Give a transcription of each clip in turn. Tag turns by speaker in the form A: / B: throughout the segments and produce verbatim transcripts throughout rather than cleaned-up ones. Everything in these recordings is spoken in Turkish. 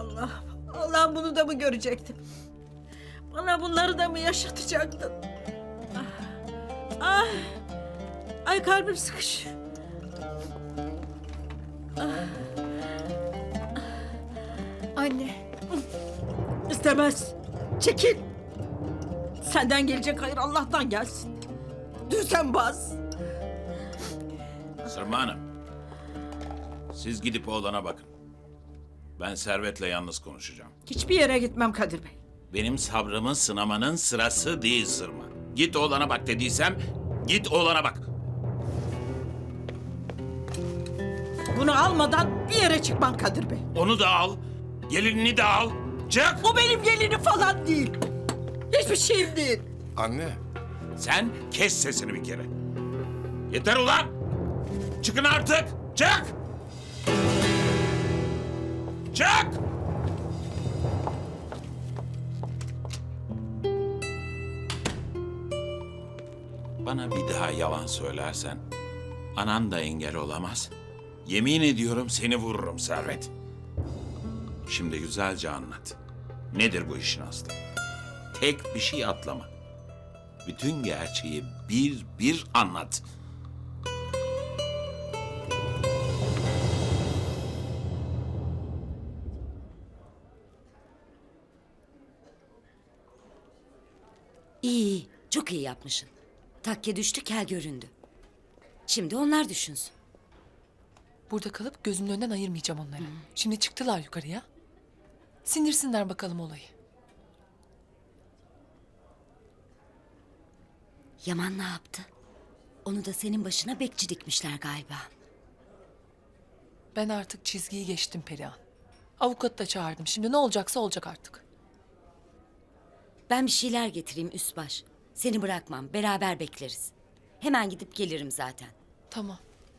A: Allah, Allah'ım bunu da mı görecektim? Bana bunları da mı yaşatacaktın? Ah, ah, ay kalbim sıkışıyor.
B: Anne.
A: İstemez. Çekil. Senden gelecek hayır Allah'tan gelsin. Düzenbaz.
C: Sırma Hanım, siz gidip oğlana bakın. Ben Servet'le yalnız konuşacağım.
A: Hiçbir yere gitmem Kadir Bey.
C: Benim sabrımı sınamanın sırası değil Sırma. Git oğlana bak dediysem, git oğlana bak.
A: Bunu almadan bir yere çıkmam Kadir Bey.
C: Onu da al, gelinini de al. Çık!
A: Bu benim gelinim falan değil. Hiçbir şeyim değil.
D: Anne,
C: Sen kes sesini bir kere. Yeter ulan! Çıkın artık! Çık! Çık! Bana bir daha yalan söylersen anan da engel olamaz. Yemin ediyorum seni vururum Servet. Şimdi güzelce anlat. Nedir bu işin aslı? Tek bir şey atlama. Bütün gerçeği bir bir anlat.
E: İyi, iyi. Çok iyi yapmışsın. Takke düştü, kel göründü. Şimdi onlar düşünsün.
B: Burada kalıp gözümün önünden ayırmayacağım onları. Şimdi çıktılar yukarıya. Sindirsinler bakalım olayı.
E: Yaman ne yaptı? Onu da senin başına bekçi dikmişler galiba.
B: Ben artık çizgiyi geçtim Perihan. Avukatı da çağırdım. Şimdi ne olacaksa olacak artık.
E: Ben bir şeyler getireyim üst baş. Seni bırakmam, beraber bekleriz. Hemen gidip gelirim zaten.
B: Tamam.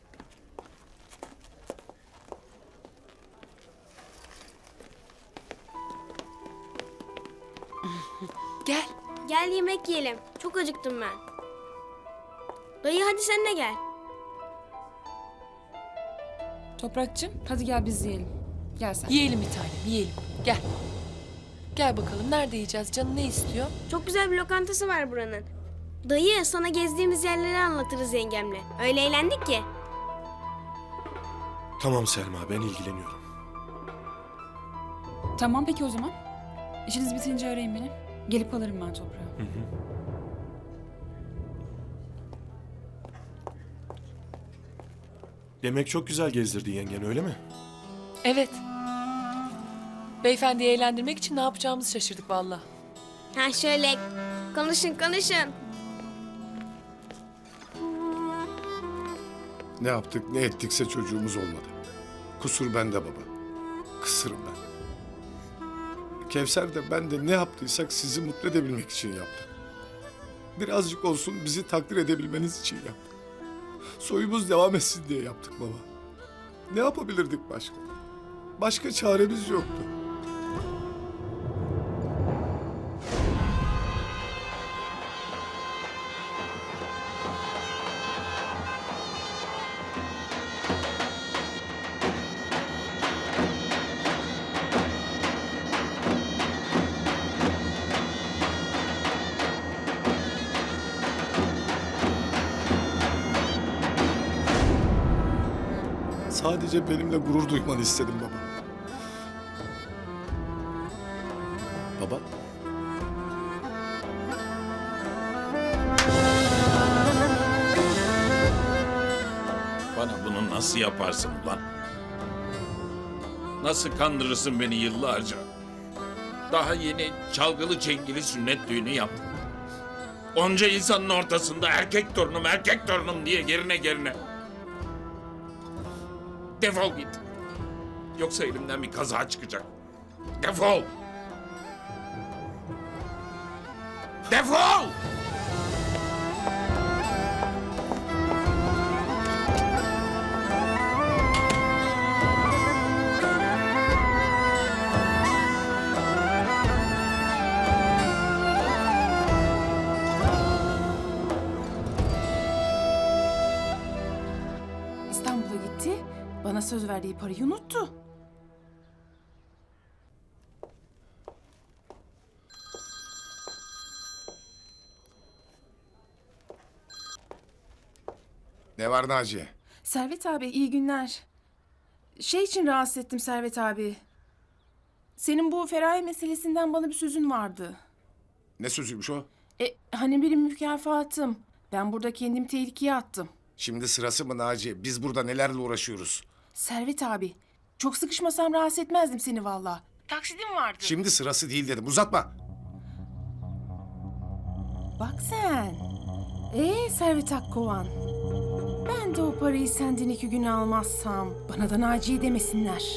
B: Gel.
F: Gel yemek yiyelim. Çok acıktım ben. Dayı hadi sen de gel.
G: Toprakçım hadi gel biz yiyelim. Gel sen.
B: Yiyelim bir tanem, yiyelim. Gel. Gel bakalım. Nerede yiyeceğiz? Canın ne istiyor?
F: Çok güzel bir lokantası var buranın. Dayı sana gezdiğimiz yerleri anlatırız yengemle. Öyle eğlendik ki.
D: tamam Selma, ben ilgileniyorum.
G: Tamam peki o zaman. İşiniz bitince arayın beni. Gelip alırım ben toprağı.
D: Demek çok güzel gezdirdi yengen, öyle mi?
B: Evet. Beyefendiyi eğlendirmek için ne yapacağımızı şaşırdık vallahi.
F: Ha şöyle konuşun konuşun.
D: Ne yaptık, ne ettikse çocuğumuz olmadı. Kusur bende baba. Kısırım ben. Kevser de ben de ne yaptıysak sizi mutlu edebilmek için yaptık. Birazcık olsun bizi takdir edebilmeniz için yaptık. Soyumuz devam etsin diye yaptık baba. Ne yapabilirdik başka? Başka çaremiz yoktu. Sadece benimle gurur duymanı istedim baba. Baba?
C: Bana bunu nasıl yaparsın ulan? Nasıl kandırırsın beni yıllarca? Daha yeni çalgılı çengili sünnet düğünü yaptım. Onca insanın ortasında erkek torunum, erkek torunum diye gerine gerine. Defol git. Yoksa elimden bir kaza çıkacak. Defol! Defol!
G: İstanbul'a gitti. Bana söz verdiği parayı unuttu.
D: Ne var Naciye?
H: Servet abi iyi günler. Şey için rahatsız ettim Servet abi. Senin bu Feraye meselesinden bana bir sözün vardı.
D: Ne sözüymüş o?
H: E, hani benim mükafatım. Ben burada kendimi tehlikeye attım.
D: Şimdi sırası mı Naciye? Biz burada nelerle uğraşıyoruz?
H: Servet abi, çok sıkışmasam rahatsız etmezdim seni valla. Taksidim vardı.
D: Şimdi sırası değil dedim. Uzatma.
H: Bak sen. Ee Servet Akkovan. Ben de o parayı senden iki gün almazsam bana da Naciye demesinler.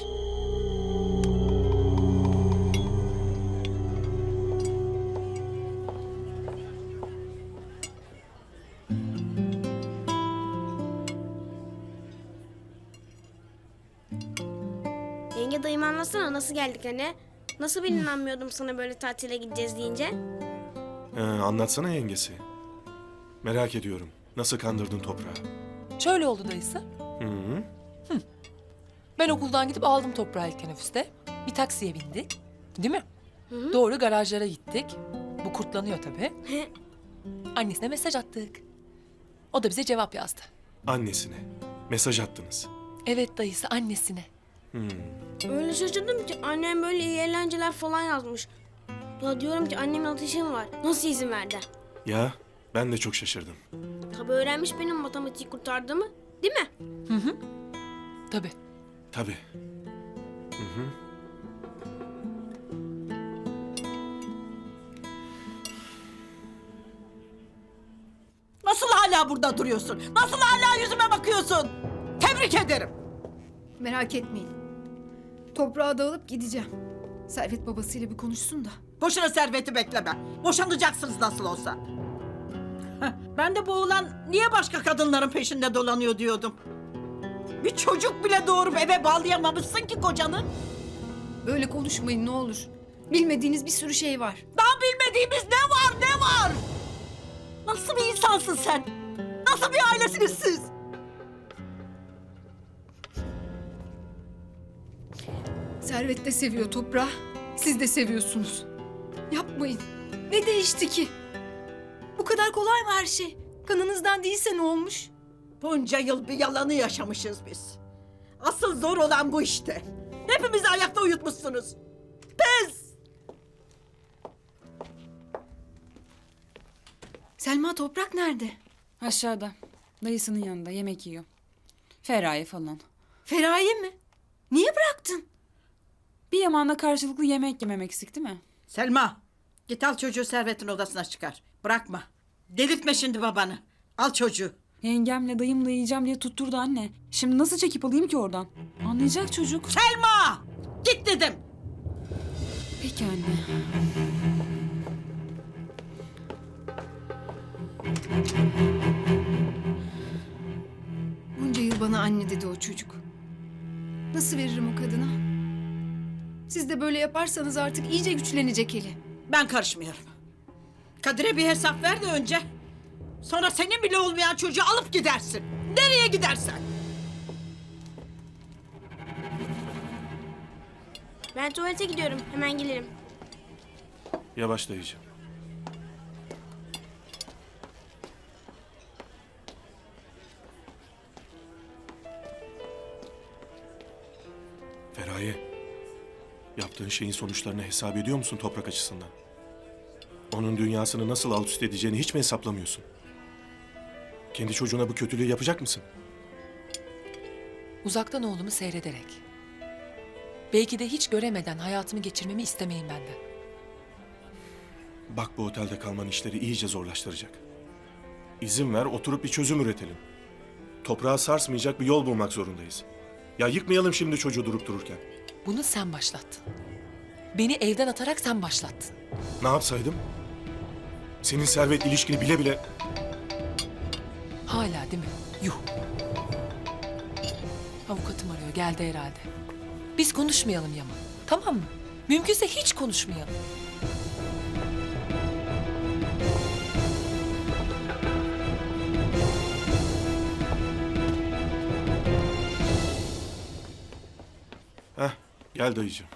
F: Yenge dayıma anlatsana nasıl geldik anne? Nasıl ben inanmıyordum sana böyle tatile gideceğiz deyince?
I: Ee, anlatsana yengesi. Merak ediyorum. Nasıl kandırdın toprağı?
B: Şöyle oldu dayısı.
I: Hı hı.
B: Ben okuldan gidip aldım toprağı ilk teneffüste. Bir taksiye bindik. Değil mi? Doğru garajlara gittik. Bu kurtlanıyor tabii. Annesine mesaj attık. O da bize cevap yazdı.
I: Annesine. Mesaj attınız.
B: Evet dayısı, annesine.
F: Öyle şaşırdım ki annem böyle iyi eğlenceler falan yazmış. Ya diyorum ki annemin ateşi mi var? Nasıl izin verdi?
I: Ya ben de çok şaşırdım.
F: Tabii öğrenmiş benim matematiği kurtardığımı. Değil mi?
B: Tabii.
I: Tabii.
A: Nasıl hala burada duruyorsun? Nasıl hala yüzüme bakıyorsun? Tebrik ederim.
J: Merak etmeyin. Toprağa dağılıp gideceğim. Servet babasıyla bir konuşsun da.
A: Boşuna serveti bekleme. Boşanacaksınız nasıl olsa. Heh, ben de bu oğlan niye başka kadınların peşinde dolanıyor diyordum. Bir çocuk bile doğurup eve bağlayamamışsın ki kocanı.
J: Böyle konuşmayın ne olur. Bilmediğiniz bir sürü şey var.
A: Daha bilmediğimiz ne var ne var? Nasıl bir insansın sen? Nasıl bir ailesiniz siz?
J: Servet de seviyor toprağı. Siz de seviyorsunuz. Yapmayın. Ne değişti ki? Bu kadar kolay mı her şey? Kanınızdan değilse ne olmuş?
A: Bunca yıl bir yalanı yaşamışız biz. Asıl zor olan bu işte. Hepimizi ayakta uyutmuşsunuz. Pes!
J: Selma toprak nerede?
G: Aşağıda. Dayısının yanında yemek yiyor. Feraye falan.
J: Feraye mi? Niye bıraktın?
G: Bir Yaman'la karşılıklı yemek yememek eksik değil mi?
A: Selma, git al çocuğu Servet'in odasına çıkar. Bırakma. Delirtme şimdi babanı. Al çocuğu.
G: Yengemle dayımla yiyeceğim diye tutturdu anne. Şimdi nasıl çekip alayım ki oradan? Anlayacak çocuk.
A: Selma! Git dedim.
G: Peki anne.
J: Bunca yıl bana anne dedi o çocuk. Nasıl veririm o kadına? Siz de böyle yaparsanız artık iyice güçlenecek eli.
A: Ben karışmıyorum. Kadir'e bir hesap ver de önce. Sonra senin bile olmayan çocuğu alıp gidersin. Nereye gidersen.
F: Ben tuvalete gidiyorum. Hemen gelirim.
I: Yavaş dayıcığım. Feraye. Yaptığın şeyin sonuçlarını hesap ediyor musun toprak açısından? Onun dünyasını nasıl alt üst edeceğini hiç mi hesaplamıyorsun? Kendi çocuğuna bu kötülüğü yapacak mısın?
B: Uzaktan oğlumu seyrederek. Belki de hiç göremeden hayatımı geçirmemi istemeyin benden.
I: Bak bu otelde kalman işleri iyice zorlaştıracak. İzin ver oturup bir çözüm üretelim. Toprağı sarsmayacak bir yol bulmak zorundayız. Ya yıkmayalım şimdi çocuğu durup dururken.
B: Bunu sen başlattın. Beni evden atarak sen başlattın.
I: Ne yapsaydım? Senin servet ilişkini bile bile...
B: Hala değil mi? Yuh. Avukatım arıyor, geldi herhalde. Biz konuşmayalım Yaman, tamam mı? Mümkünse hiç konuşmayalım.
I: Heh, gel dayıcığım.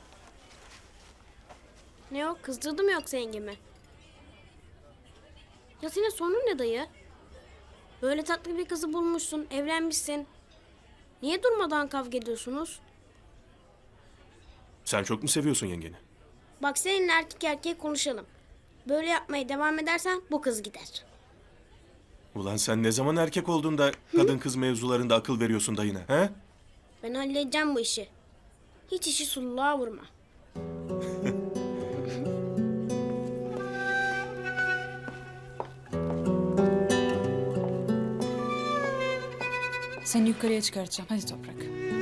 F: Ne o? Kızdırdı mı yoksa yengemi? Ya senin sorunun ne dayı? Böyle tatlı bir kızı bulmuşsun, evlenmişsin. Niye durmadan kavga ediyorsunuz?
I: Sen çok mu seviyorsun yengeni?
F: Bak seninle erkek erkeğe konuşalım. Böyle yapmaya devam edersen bu kız gider.
I: Ulan sen ne zaman erkek oldun da kadın kız mevzularında akıl veriyorsun dayına, he?
F: Ben halledeceğim bu işi. Hiç işi sulluğa vurma.
G: Seni yukarıya çıkartacağım. Hadi Toprak.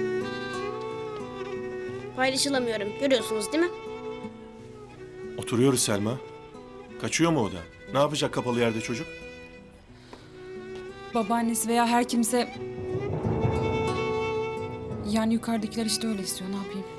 F: Paylaşılamıyorum. Görüyorsunuz değil mi?
I: Oturuyoruz Selma. Kaçıyor mu o da? Ne yapacak kapalı yerde çocuk?
G: Babaannesi veya her kimse... Yani yukarıdakiler işte öyle istiyor. Ne yapayım?